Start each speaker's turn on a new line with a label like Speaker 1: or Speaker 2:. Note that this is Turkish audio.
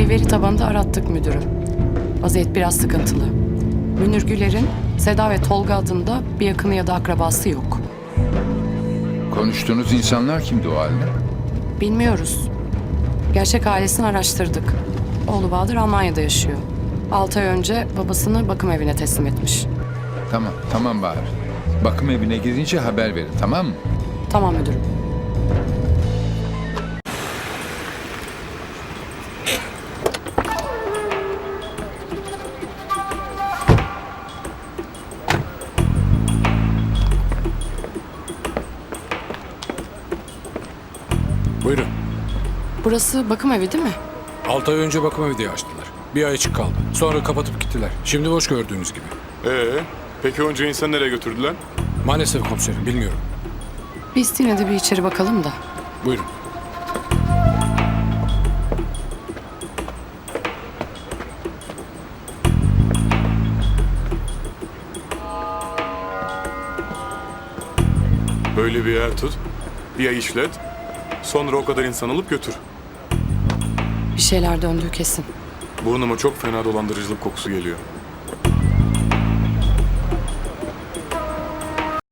Speaker 1: Dosyayı veri tabanında arattık müdürüm. Vaziyet biraz sıkıntılı. Münir Güler'in Seda ve Tolga adında bir yakını ya da akrabası yok.
Speaker 2: Konuştuğunuz insanlar kimdi o halde?
Speaker 1: Bilmiyoruz. Gerçek ailesini araştırdık. Oğlu Bahadır Almanya'da yaşıyor. 6 ay önce babasını bakım evine teslim etmiş.
Speaker 2: Tamam Bahar. Bakım evine gidince haber verin, tamam mı?
Speaker 1: Tamam müdürüm.
Speaker 3: Buyurun.
Speaker 1: Burası bakım evi değil mi?
Speaker 3: 6 ay önce bakım evi diye açtılar. Bir ay açık kaldı. Sonra kapatıp gittiler. Şimdi boş gördüğünüz gibi.
Speaker 4: Peki onca insan nereye götürdüler?
Speaker 3: Maalesef komiserim bilmiyorum.
Speaker 1: Biz yine de bir içeri bakalım da.
Speaker 3: Buyurun.
Speaker 4: Böyle bir yer tut, bir ay işlet, sonra o kadar insan alıp götür.
Speaker 1: Bir şeyler döndüğü kesin.
Speaker 4: Burnuma çok fena dolandırıcılık kokusu geliyor.